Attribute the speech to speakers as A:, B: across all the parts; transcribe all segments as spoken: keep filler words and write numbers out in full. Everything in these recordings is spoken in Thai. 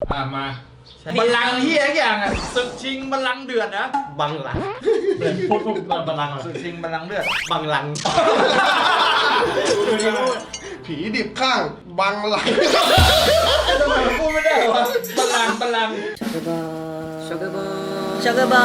A: อ่ะมา
B: บัลลังก์ที่ทุกอย่างอ่ะศึกชิงบัลลังก์เดือดนะ
C: บังหลังพูดพูดบังหลัง
B: ศึกชิงบัลลังก์เดือด
C: บังหลัง
D: ผีดิบข้างบังไหล
B: ทำไมพูดไม่ได้วะบัลลังก์บัลลังก์
E: ช็อกเกอร์บอยช็อกเกอร์บอย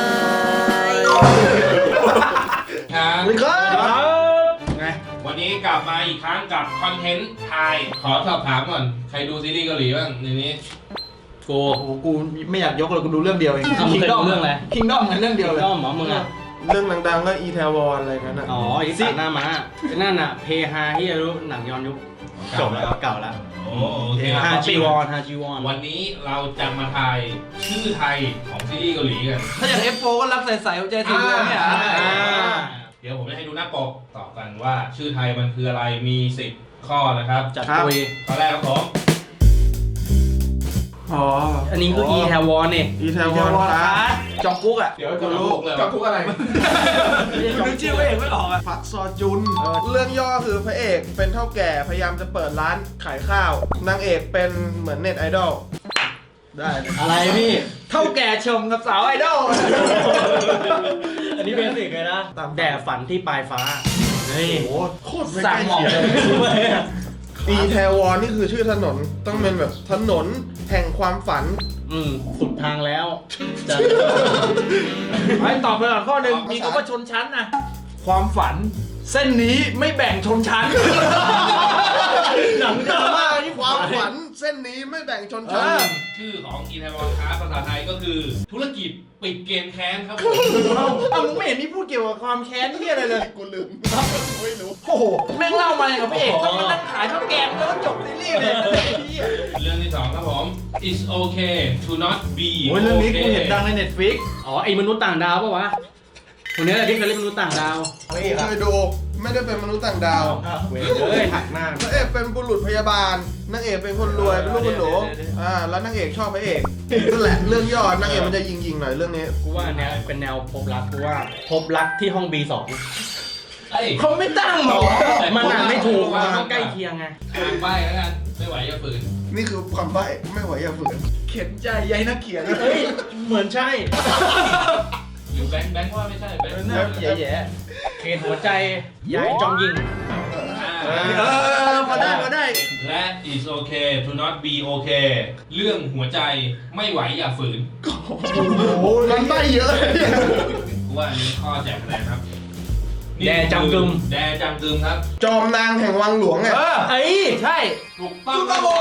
A: ครับ
B: ครับไง
A: วันนี้กลับมาอีกครั้งกับคอนเทนต์ไทยขอสอบถามก่อนใครดูซีรีส์เกาหลีบ้างในนี้
C: กู
B: โอ้โหกูไม่อยากยกเลยกูดูเรื่องเดียวเอง
C: อ่ะมึงเคยดูเรื่องอะไร
B: คิงดอมเรื่องเดียวเลย
C: ก็หมอมึงอ่ะ
D: เรื่องดังๆก็อีเทวอนอะไรกันนะ
C: อ๋อไอ้สัตว์หน้าม้าไอ้นั่นอ่ะเพฮาที่รู้หนังย้อนยุคจบแล้วเก่าแล้ว
A: โอ้โอเค
C: ฮาจีวอนฮาจีวอน
A: วันนี้เราจะมาทายชื่อไทยของซีรีส์เกาหลีกัน
B: ถ้าอย่าง เอฟ โฟร์ ก็รักใสๆหัวใจสีดวงเนี่ย
A: อ่า
C: อ่า
A: เดี๋ยวผมจะให้ดูหน้าปกตอบกันว่าชื่อไทยมันคืออะไรมีสิบข้อนะครับ
C: จัดปุย
A: ข้อแรกครับผม
D: อ๋อ
C: อันนี้คืออีแทวอนนี่
D: อีเทวอนครับ
B: จองกุ๊กอ่ะ
A: เดี๋ยวจะรู้เลย
D: จอกุ๊กอะไร
B: นึกชื่อไม่เองไม่ออกอ่ะ
D: พักซอจุน เรื่องย่อคือพระเอกเป็นเท่าแก่พยายามจะเปิดร้านขายข้าวนางเอกเป็นเหมือนเน็ตไอดอลได้เลย
C: อะไรพี่
B: เท่าแก่ชมกับสาวไอดอล
C: อันนี้เบสิกเลยนะแด่ฝันที่ปลายฟ้าเฮ้ย
D: โอ้โหโคตรไม่
B: สั่
D: ใก
B: ง
D: ล้
B: หมอก
D: เคียง
B: เลย
D: อีเทวอนนี่คือชื่อถนนต้องเป็นแบบถนนแห่งความฝัน
C: อืมสุดทางแล้วจะ
B: ไอ้ตอบไปก่อนข้อหนึ่งมีคำว่าชนชั้นนะความฝัน เส้นนี้ไม่แบ่งชนชั้น
C: หนังดราม่าที่
D: ความฝันเส้นนี้ไม่แบ่งชนชั้น
B: เออ
A: ชื่อของอีไทวอนคาภาษาไทยก็คือ ธุรกิจปิดเกมแค้นครับผม
B: เอาเอามึงไม่เห็นมีพูดเกี่ยวกับความแค้นที่อะไรเลย
D: กูลืมไม่รู้
B: โอ้โห แม่งเล่ามาอย่างกับพระเอกต้องมานั่งขายข้าวแกงแล้วก็จบซีรีส์เลยไอ้เหี้ย
A: เรื่องที่สองครับผม it's okay to not be
B: โอ้ยเรื่องนี้กู
A: okay
B: เห็นดังใน Netflix
C: อ๋อไอ้มนุษย์ต่างดาวปะวะคนนี้แหละที่เคยเล่นมนุษย์ต่างดาว
D: เคยดูไม่ได้เป็นมนุษย์ต่างดาว
C: เว้ยเอ้ยหักหน้า
D: พระเอกเป็นบุรุษพยาบาลนางเอกเป็นคนรวยเป็นลูกคนหนูอ่าแล้วนางเอกชอบพระเอกนั่นแหละเรื่องย่อนางเอกมันจะยิงๆหน่อยเรื่องนี้
C: กูว่าเนี้ยเป็นแนวพบรักกูว่าพบรักที่ห้อง บี สอง
A: เอ้ย
B: เขาไม่ตั้งหรอ
C: มันอ่านไม่ถูกมันต้องใกล้เคียงไง
A: อ่านใบแล้วกันไม่ไหวอย่าฝืน
D: นี่คือความใบ้ไม่ไหวอย่าฝืน
B: เขียนใจใยนักเขียน
C: เฮ้ยเหมือนใช่
A: หรือแบงค์แบงค์ว่าไม่ใช่แบงค์
B: น่าแย่
C: เขตหัวใจยายจองยิง
A: อ่า
B: ๆเออมาได้มาได้
A: และ it's okay to not be okay เรื่องหัวใจไม่ไหวอย่าฝืน
D: โอ้ยมันใบ้เยอะเลยเนี่ย
A: กูว่าอันนี้ข้อแจกคะแนนครับ
C: แดจังกึม
A: แดจังกึมครับ
D: จอมนางแห่งวังหลวงไง
B: เออ
C: เอ้ย
B: ใช่
A: ถูกต้อง
B: โอ้โห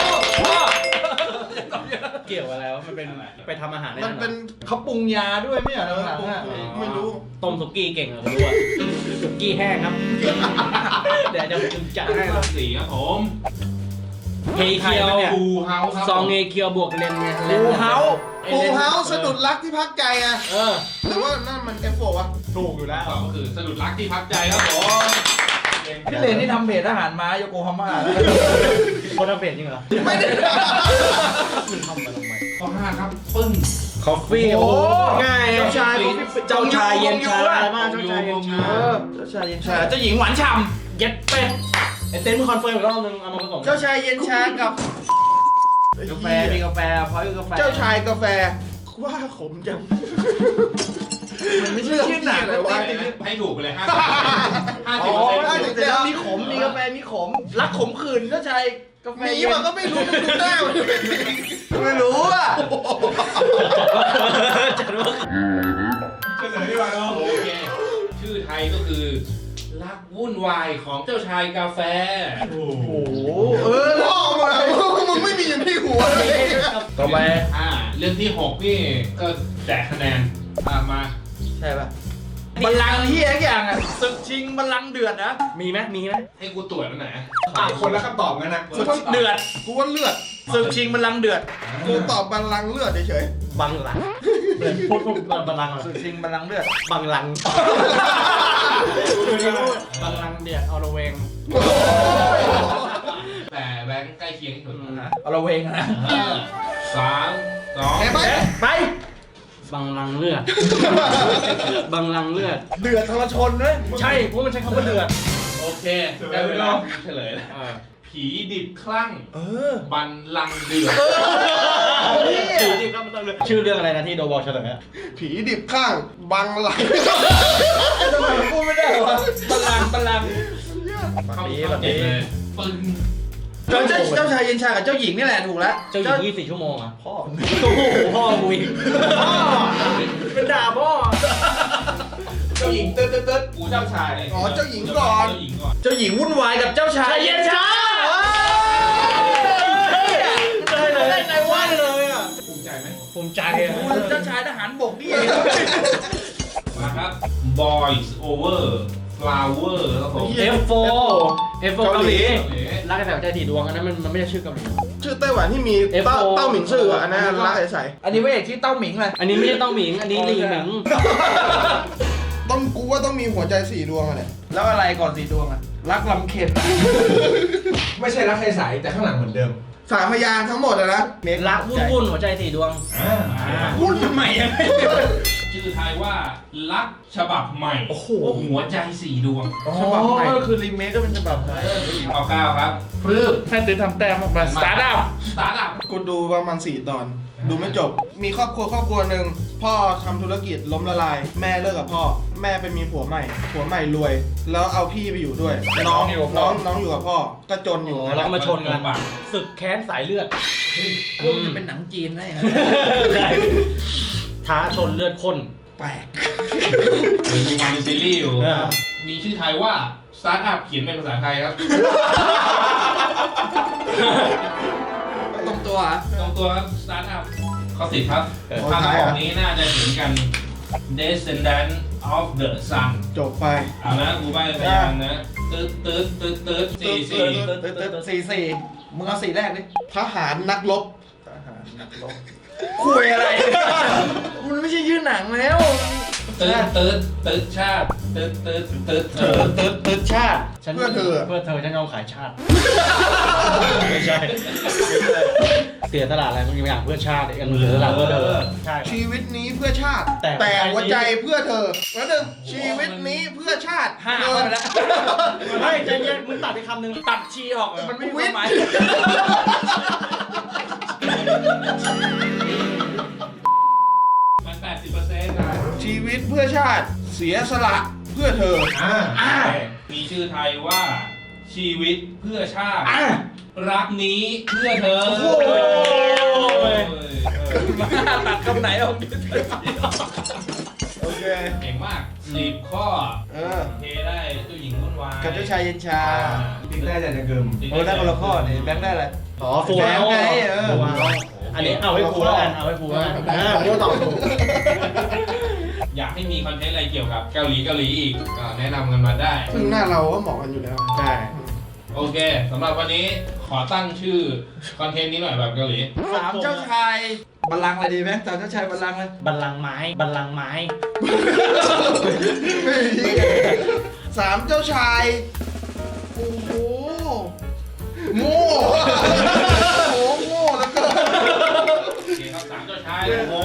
C: เกี่ยวอะไรวะมันเป็นไปทำอาหารใน
D: มัน
C: นั้น
D: เป็น
B: เขาปรุงยาด้วยไม่เหรอ
D: เออ
B: หนัง
D: ผม
B: อะ
D: ไม่รู้
C: ต้มสุกี้เก่งเหรอผมรู้อะสุกี้แห้งครับเดี๋ยวจะผมจัดให้
A: ข้อสี่ครับผม
C: เฮเคียว
A: ฟูเฮาครับ
C: ซองเฮเคียวบวกเลนไง
B: ฟูเฮา
D: ปูเฮาสะดุดรักที่พักใจไง
C: เออ
D: หรือว่านั่นมันเอฟโฟวะ
B: ถูกอยู่แล้ว
A: ตอบก็คือสะดุดรักที่พักใจครับผม
B: พี่เลนนี่ทำเพจอาหารม้าโยโกฮาม่า
C: คนทำเพจจริงเหรอ
D: ไม่ได้
C: มันทำมาทำไม
A: ข้อห้าครับปึ้ง
C: คอฟฟี่
B: โอ้
C: โอ้ง่าย
B: เจ้าชาย
C: เจ้าชายเย็นชา
B: อะ
C: อะไรบ้างเจ้าชายเย็นชา
B: เออเจ้าชายเย็นชาเจ้าหญิงหวานฉ่
C: เย็ดเป็ดไอเต้นมึงคอนเฟิร์มอีกรอบนึงเอามาผสม
B: ำเจ้าชายเย็นชากับกาแฟมีกาแฟพอยกาแฟ
D: เจ้าชายกาแฟว่าขมจัง
B: มันไม่ใช่ชื่อหนัง
D: อะไรวะ
A: ให้ถูกไปเลยห้าสิบห้าสิ
B: อ๋
A: บ
B: อ
A: เปอร์
B: ได้
A: เซ็นต์
B: แต่แล้วมีขมมีกาแฟมีขมรักขมขื่นเจ้าชายกาแฟ
D: มี
B: เย็น
D: มันก็ไม่รู้ดูหน้ามัน
B: ไม่รู้อ่ะ
C: จัดว่า
A: เฉลยดีกว่าเนาะโอเคชื่อไทยก็คือรักวุ่นวายของเจ้าชายกาแฟ
B: โอ้โห
D: เออพ่อมามึงไม่มีอย่างที่หัวเลย
B: ต่อไป
A: อ่าเรื่องที่หกนี่ก็แจกคะแนนอ่ามา
B: ใช่ป่ะบัลลังก์ที่ทุกอย่างอ่ะศึกชิงบัลลังก์เดือดนะ
C: มีไหมมีไหม
A: ให้กูตรวจแล้วไหน
D: อ่ะคนละคำตอบกันนะ
B: ศึกเดือด
D: กูว่าเลือด
B: ศึกชิงบัลลังก์เดือด
D: กูตอบบัลลังก์เลือดเฉย
C: บังหลังพูดพูดบังหลังเหรอ
B: ศึกชิงบัลลังก์เดือด
C: บังหลังบังหลังเดียดเอาละเวง
A: แต่แบงค์ใกล้เคียงที่สุด
B: เอาละเวงนะ
A: อ่าสามสอง
D: ๆเห็นไหม
B: ไป
C: บังหลังเลือดบังหลังเลือด
B: เดือดทรชนเลย
C: ใช่เพราะมันใช้คำว่าเดือด
A: โอเคได้เวลาเฉลยแล้ว
C: เออ
A: ผีดิบคลั่ง
B: เออ
A: บันลังก์เดือด
B: เออ
C: ชื่อเรื่องอะไรนะที่โดบอกเฉลยอะ
D: ผีดิบข้างบังไหล
B: ทำไมผมพูดไม่ได้วะ
C: บัลลังก์บัลลังก์
A: เข้าเข้าเด็ดเลยปึ้ง
B: เจ้าเจ้าเจ้าชายเย็นชากับเจ้าหญิงนี่แหละถูกแล้ว
C: เจ้าหญิงยี่สิบสี่ชั่วโมงอ่ะ
B: พ่อ
C: โอ้โหพ่อกูอีก
B: พ่อเป็นด่าพ่อเจ้าหญิงเติร์ดเติร์ดเติร์ด
A: กูเจ้าชาย
D: อ๋อเจ้าหญิงก่อน
A: เจ้าหญิงก่อน
B: เจ้าหญิงวุ่นวายกับเจ้าชายเย็นชาได้เลยได้ไงวะเลยอ่ะ
A: ภูมิใจไหม
C: ภูมิใจอ่ะ
B: เจ้าชายทหารบกนี่เอง
A: มาครับ Boys Over Flower ครับผม
C: เอฟโฟเอฟโฟเกาหลีรักกันแบบใจถี่ดวงอันนั้นมันมันไม่ใช่ชื่อเกาหลี
D: ชื่อไต้หวันที่มี
C: เอฟโฟ
D: เต้าเต้าหมิงซื่ออะอันนั้นรักใส
B: อันนี้พระเอกที่เต้าหมิงเลย
C: อันนี้ไม่ใช่เต้าหมิงอันนี้ลีหมิง
D: ๆต้องกูว่าต้องมีหัวใจสี่ดวงอะเนี่ย
B: แล้วอะไรก่อนสีดวงอ่ะรักลำเค็ญ
F: ไม่ใช่รักใสๆแต่ข้างหลังเหมือนเดิม
D: สามพยางค์ทั้งหมดอะนะเมค
C: รักวุ่นวุ่นหัวใจสี่ดวง
B: วุ่นทำไมอ่ะ
A: ชื่อไทยว่ารักฉบับใหม่
B: โอ้โห
A: หัวใจสี่ดวง
B: ฉบับใหม่ก็คือรีเมคก็เป็นฉบับใหม่
A: เอาก้าวครับพรืบ
B: ให้ตื่นทำแต้มออกมาสตาร์ทอัพ
A: สตาร์ทอัพ
D: กูดูประมาณสี่ตอน ดูไม่จบ มีครอบครัวครอบครัวหนึ่งพ่อทำธุรกิจล้มละลาย แม่เลิกกับพ่อ แม่ไปมีผัวใหม่ ผัวใหม่รวย แล้วเอาพี่ไปอยู่ด้วย น้องน้องน้องอยู่กับพ่อ ก็จนอยู่
C: แล้วก็มาชนกันศึกแค้นสายเลือด
B: พวกจะเป็นหนังจีนได้ไง
C: ท้าชนเลือดข้น
B: แปลก
A: มีงานซีรีส์อยู่
C: เออ
A: มีชื่อไทยว่าสตาร์ทอัพเขียนเป็นภาษาไทยครับ
B: ตรงตัวอ่ะ
A: ตรงตัวครับสตาร์ทอัพข้อสิบครับคำของนี้น่าจะเห็นกัน Descendant of the Sun
D: จบไป
A: เอานะกูใบ้พยางค์นะตืดตืดตืดตืดสี่สี่
B: สี่สี่มึงเอาสี่แรกดิ
D: ทหารนักรบ
B: ทหารนักรบคุยอะไร มันไม่ใช่ชื่อหนังแล้ว
A: ตืดตืดตืดชาติตืดตืดตืด
B: เออตึ๊ดตึ๊ดชาติ
C: ฉัน
D: เพื่อเธอ
C: เพื่อเธอฉันยอมขายชาติ ไม่ใช่ เสียตลาดอะไรบางอย่างเพื่อชาติอีกอันหนึ่งเสียตลาดเพื่อเธอใช่
D: ชีวิตนี้เพื่อชาติ
C: แต่
D: แต่หัวใจเพื่อเธอแล้วหนึ่งชีวิตนี้เพื่อชาติ
B: ห้า
D: เงิ
B: ไป
D: น
B: แล้ว
C: ไม่ใจเย็นมึงตัดไปคำหนึ่ง
B: ตัดชีออกมันไม่มีความหมาย
A: มันแปดสิบเปอร์เซ็นต์นะ
D: ชีวิตเพื่อชาติ เสียสละเพื่อเธอ
F: อ่า
B: อ่า
A: มีชื่อไทยว่าชีวิตเพื่อชาติ
B: อ่ะ
A: รักนี้เพื่อเธอ
B: โอ้โห
A: เออ
B: ตัดคำไหนออกดิ
D: โอเค
A: เก่งมากสิบข้อ
D: เออ
A: เทได้เจ้าหญิงวุ่นวาย
B: กับเจ้าชายเย็นชา
F: ติ๊กได้แต่จะเกิม
B: โอ้ได้คนละข้อเนี่ยแบงค์ได้อะไร
C: อ๋อฟูแล้ว
B: ไงเออ
C: อันนี้เอาให้ฟูแล้วกันเอาให้ฟูแล้วกัน
D: ได้ผมก็ตอบถูก
A: อยากให้มีคอนเทนต์อะไรเกี่ยวกับเกาหลีเกาหลีอีกก็แนะนำกันมาได้
D: ซึ่งหน้าเราก็เหมาะกันอยู่แล้ว
C: ใช่
A: โอเคสำหรับวันนี้ขอตั้งชื่อคอนเทนต์นี้หน่อยแบบเกาหลี
B: สามเจ้าชายบัลลังก์อะไรดีไหมสามเจ้าชายบัลลังก์เลย
C: บัลลังก์ไม้บัลลังก์ไม้
D: สามเจ้าชาย โอ้โห โง่โอ้โหโง่แล้วก็
A: โอเคครับสามเจ้าชาย
C: โอ้